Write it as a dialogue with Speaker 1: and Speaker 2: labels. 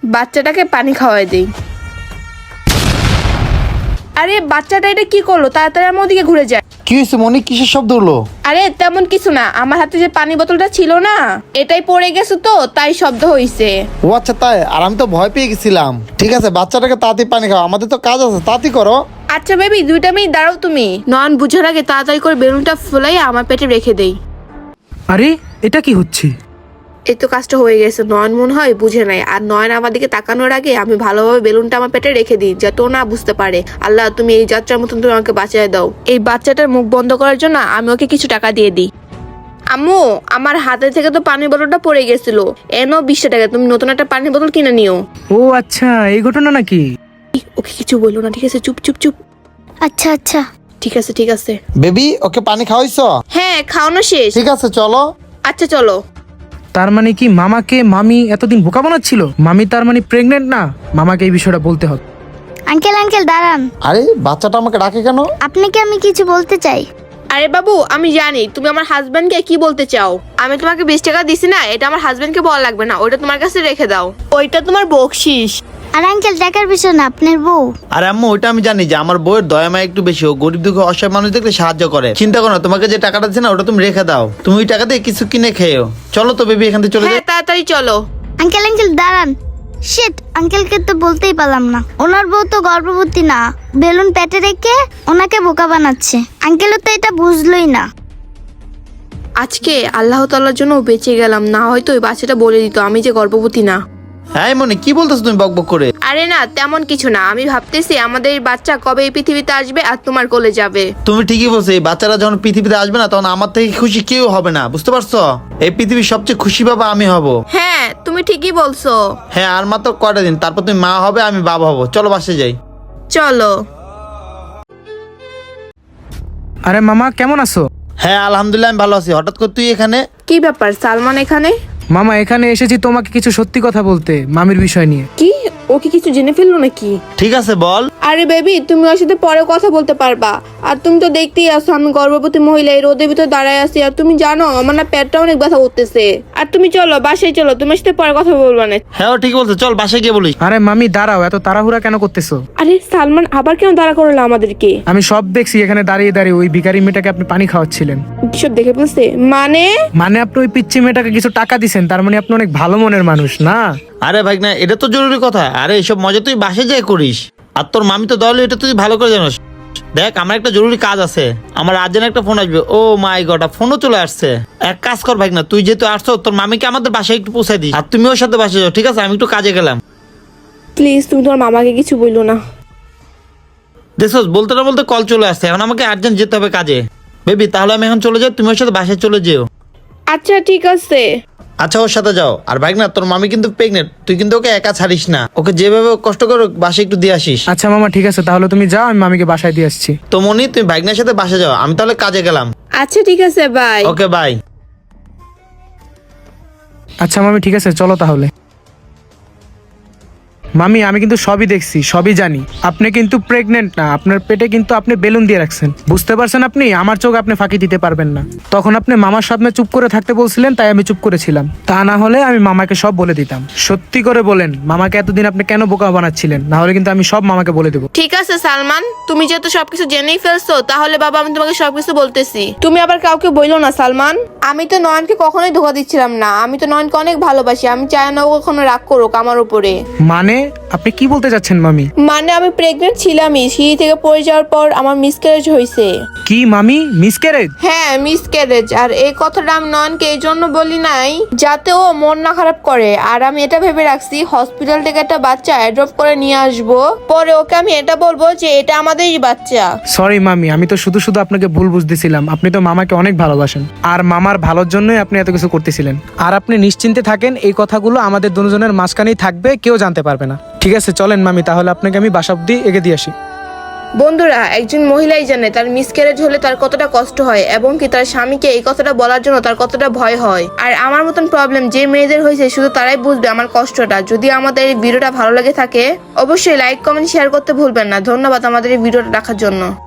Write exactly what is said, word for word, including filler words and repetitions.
Speaker 1: বাচ্চাটাকে পানি খাওয়াই দেই। আরে বাচ্চাটা এটা কি করলো? তাড়াতাড়ি আমার ওদিকে ঘুরে যায়।
Speaker 2: কি হয়েছে মনি? কিসের শব্দ হলো?
Speaker 1: আরে তেমন কিছু না, আমার হাতে যে পানি বোতলটা ছিল না, এটাই পড়ে গেছে তো তাই শব্দ হইছে।
Speaker 2: ও আচ্ছা তাই? আর আমি তো ভয় পেয়ে গেছিলাম। ঠিক আছে, বাচ্চাটাকে তাড়াতাড়ি পানি খাও, আমাদের তো কাজ আছে, তাড়াতাড়ি করো।
Speaker 1: আচ্ছা বেবি, দুইটা মিনিট দাঁড়াও তুমি। নয়ন বুঝার আগে তাড়াতাড়ি করে বেলুনটা ফুলাই আমার পেটে রেখে দেই।
Speaker 3: আরে এটা কি হচ্ছে?
Speaker 1: এই তো কাজটা হয়ে গেছে। নয়ন মনে হয় বুঝে নাই, আর নয়ন আমার দিকে তাকানোর আগে আমি ভালোভাবে বেলুনটা আমার পেটে রেখে দিই যাতে ও না বুঝতে পারে। আল্লাহ তুমি এই যাত্রার মতন তুমি আমাকে বাঁচিয়ে দাও। এই বাচ্চাটার মুখ বন্ধ করার জন্য আমি ওকে কিছু টাকা দিয়ে দিই। আম্মু, আমার হাতে থেকে তো পানির বোতলটা পড়ে গেছিল, এনো বিশটা টাকা, তুমি নতুন একটা পানির বোতল কিনে নিও।
Speaker 3: ও আচ্ছা, এই ঘটনা নাকি?
Speaker 1: ওকে কিছু বললো না, ঠিক আছে? চুপ চুপ চুপ।
Speaker 4: আচ্ছা আচ্ছা
Speaker 1: ঠিক আছে ঠিক আছে।
Speaker 2: বেবি ওকে পানি খাওয়াইছো?
Speaker 1: হ্যাঁ, খাওয়ানো শেষ।
Speaker 2: ঠিক আছে চলো।
Speaker 1: আচ্ছা চলো।
Speaker 3: তার মানে কি মামাকে মামি এতদিন বোকা বানাচ্ছিল? মামি তার মানে প্রেগনেন্ট না? মামাকে এই বিষয়টা বলতে হবে।
Speaker 4: আঙ্কেল আঙ্কেল দাঁড়ান।
Speaker 2: আরে বাচ্চাটা আমাকে ডাকে কেন?
Speaker 4: আপনাকে আমি কিছু বলতে চাই।
Speaker 1: আরে বাবু, আমি জানি তুমি আমার হাজবেন্ডকে কি বলতে চাও। আমি তোমাকে বিশ টাকা দিছি না, এটা আমার হাজবেন্ডকে বলা লাগবে না, ওইটা তোমার কাছে রেখে দাও, ওইটা তোমার বকশিস।
Speaker 4: আর আঙ্কেল টাকার বিষয় না, আপনার বউ।
Speaker 5: আর আম্মু ওইটা আমি জানি যে আমার বউয়ের দয়া মায়া একটু বেশি, ও গরিব দুঃখ অসহায় মানুষ দেখলে সাহায্য করে। চিন্তা করো না, তোমাকে যে টাকাটা দিচ্ছে না ওটা তুমি রেখে দাও, তুমি ওই টাকা দিয়ে কিছু কিনে খেয়েও। চলো তো বেবি এখান থেকে চলে
Speaker 1: হ্যাঁ
Speaker 5: যাই।
Speaker 1: তাড়াতাড়ি চলো।
Speaker 4: আঙ্কেল আঙ্কেল দাঁড়ান। শিট, আঙ্কেলকে তো বলতেই পারলাম না। ওনার বউ তো গর্ভবতী না, বেলুন পেটে রেখে ওনাকে বোকা বানাচ্ছে। আঙ্কেলও তো এটা বুঝলোই না।
Speaker 1: আজকে আল্লাহ তাআলার জন্য বেঁচে গেলাম, না হয়তো ওই বাচ্চাটা বলে দিত আমি যে গর্ভবতী না।
Speaker 5: হ্যাঁ মনে কি বলতেছো তুমি বক বক করে?
Speaker 1: আরে না, তেমন কিছু না, আমি ভাবতেছি আমাদের এই বাচ্চা কবে এই পৃথিবীতে আসবে আর তোমার কোলে যাবে।
Speaker 5: তুমি ঠিকই বলছো, এই বাচ্চারা যখন পৃথিবীতে আসবে না তখন আমার থেকে খুশি কেউ হবে না, বুঝতে পারছো? এই পৃথিবীর সবচেয়ে খুশি বাবা আমি হব।
Speaker 1: হ্যাঁ তুমি ঠিকই বলছো।
Speaker 5: হ্যাঁ আর মাত্র কয়টা দিন, তারপর তুমি মা হবে, আমি বাবা হব। চলো বাসায় যাই।
Speaker 1: চলো।
Speaker 3: আরে মামা কেমন আছো?
Speaker 5: হ্যাঁ আলহামদুলিল্লাহ আমি ভালো আছি। হঠাৎ করে তুই এখানে?
Speaker 1: কি ব্যাপার সালমান এখানে?
Speaker 3: মামা এখানে এসেছি তোমাকে কিছু সত্যি কথা বলতে, মামির বিষয় নিয়ে।
Speaker 1: কি, ও কি কিছু জেনে ফেললো নাকি?
Speaker 5: ঠিক আছে বল।
Speaker 1: আরে বেবি, তুমি ওর সাথে পরে কথা বলতে পারবা। আর তুমি তো দেখতেই আসো আমি গর্ভবতী মহিলা, এই রোদের ভিতর দাঁড়ায় আছি, আর তুমি জানো আমার না পেটটা অনেক ব্যথা করতেছে। আর তুমি চলো বাসায় চলো, তোমার সাথে পরে কথা বলবো না।
Speaker 5: হ্যাঁ ও ঠিক বলছে, চল বাসায় গিয়ে বলিস।
Speaker 3: আরে মামি দাঁড়াও, এত তাড়াহুড়া কেন করতেছো?
Speaker 1: আরে সালমান আবার কেন দাঁড়া করলো আমাদেরকে?
Speaker 3: আমি সব দেখছি, এখানে দাঁড়িয়ে দাঁড়িয়ে ওই ভিখারি মেয়েটাকে আপনি পানি খাওয়াচ্ছিলেন।
Speaker 1: সব দেখে ফেলছে মানে?
Speaker 3: মানে আপনি ওই পিচ্চি মেয়েটাকে কিছু টাকা দিছেন, তার মানে আপনি অনেক ভালো মনের মানুষ না?
Speaker 5: আরে ভাই না, এটা তো জরুরি কথা। আরে এসব মজা তুই বাসায় যাই করিস, আর তোর মামি তো দলে, এটা তুই ভালো করে জানিস। দেখ আমার একটা জরুরি কাজ আছে, আমার আর্জেন্ট একটা ফোন আসবে। ও মাই গড, ফোনও চলে আসছে। এক কাজ কর ভাই না, তুই যেহেতু আসছো তোর মামিকে আমাদের বাসায় একটু পৌঁছাই দিস, আর তুমি ওর সাথে বাসায় যাও, ঠিক আছে? আমি একটু কাজে গেলাম।
Speaker 1: প্লিজ তুমি তোমার মামাকে কিছু বললো না।
Speaker 5: দেখছোস, বলতে না বলতে কল চলে আসছে, এখন আমাকে আর্জেন্ট যেতে হবে কাজে। বেবি তাহলে আমি এখন চলে যাই, তুমি ওর সাথে বাসায় চলে যেও।
Speaker 1: আচ্ছা ঠিক আছে।
Speaker 5: আচ্ছা ওর সাথে যাও। আর ভাই না, তোর মামি কিন্তু প্রেগনেন্ট, তুই কিন্তু ওকে একা ছাড়িস না, ওকে যেভাবে কষ্ট করে বাসায় একটু দিয়ে আসিস।
Speaker 3: আচ্ছা মামা ঠিক আছে, তাহলে তুমি যাও, আমি মামিকে বাসায় দিয়ে আসছি।
Speaker 5: তো মনি তুমি ভাইগনার সাথে বাসা যাও, আমি তাহলে কাজে গেলাম।
Speaker 1: আচ্ছা ঠিক আছে, বাই।
Speaker 5: Okay bye.
Speaker 3: আচ্ছা মামি ঠিক আছে, চলো তাহলে। মামি আমি কিন্তু সবই দেখছি, সবই জানি। আপনি কিন্তু প্রেগনেন্ট না, আপনার পেটে কিন্তু আপনি বেলুন দিয়ে রাখছেন, বুঝতে পারছেন? আপনি আমার চোখ আপনি ফাঁকি দিতে পারবেন না। তখন আপনি মামার সামনে চুপ করে থাকতে বলছিলেন, তাই আমি চুপ করেছিলাম। তা না হলে আমি মামাকে সব বলে দিতাম। সত্যি করে বলেন, মামাকে এতদিন আপনি কেন বোকা বানাচ্ছিলেন? না হলে কিন্তু আমি সব মামাকে বলে দেবো।
Speaker 1: ঠিক আছে সালমান, তুমি যেহেতু সবকিছু জেনেই ফেলছো, তাহলে বাবা আমি তোমাকে সবকিছু বলতেছি। তুমি আবার কাউকে বইলো না সালমান। আমি তো নয়নকে কখনোই ধোকা দিচ্ছিলাম না, আমি তো নয়নকে অনেক ভালোবাসি, আমি চাই না ও কখনো রাগ করুক আমার উপরে।
Speaker 3: মানে আপনি কি বলতে চাচ্ছেন মামি?
Speaker 1: মানে আমি প্রেগনেন্ট ছিলামই, সিঁড়ি থেকে পড়ে যাওয়ার পর আমার মিসক্যারেজ হয়েছে।
Speaker 3: কি মামি, মিসক্যারেজ?
Speaker 1: হ্যাঁ মিসক্যারেজ। আর এই কথাটা আমি নয়নকে এই জন্য বলি নাই যাতে ও মন না খারাপ করে, আর আমি এটা ভেবে রাখছি হসপিটাল থেকে একটা বাচ্চা অ্যাডপ্ট করে নিয়ে আসবো, পরে ওকে আমি এটা বলবো যে এটা আমাদেরই বাচ্চা।
Speaker 3: সরি মামি, আমি তো শুধু শুধু আপনাকে ভুল বুঝতেছিলাম। আপনি তো মামাকে অনেক ভালোবাসেন, আর মামার ভালোর জন্যই আপনি এত কিছু করতেছিলেন। আর আপনি নিশ্চিন্তে থাকেন, এই কথাগুলো আমাদের দুজনের মাঝখানেই থাকবে, কেউ জানতে পারবে না। ঠিক আছে চলেন মামি, তাহলে আপনাকে আমি বাসা অব্দি এগিয়ে দিয়ে আসি।
Speaker 1: বন্ধুরা, একজন মহিলাই জানে তার মিসক্যারেজ হলে তার কতটা কষ্ট হয়, এবং কি তার স্বামীকে এই কথাটা বলার জন্য তার কতটা ভয় হয়। আর আমার মতন প্রবলেম যে মেয়েদের হয়েছে শুধু তারাই বুঝবে আমার কষ্টটা। যদি আমাদের এই ভিডিওটা ভালো লাগে থাকে অবশ্যই লাইক কমেন্ট শেয়ার করতে ভুলবেন না। ধন্যবাদ আমাদের এই ভিডিওটা দেখার জন্য।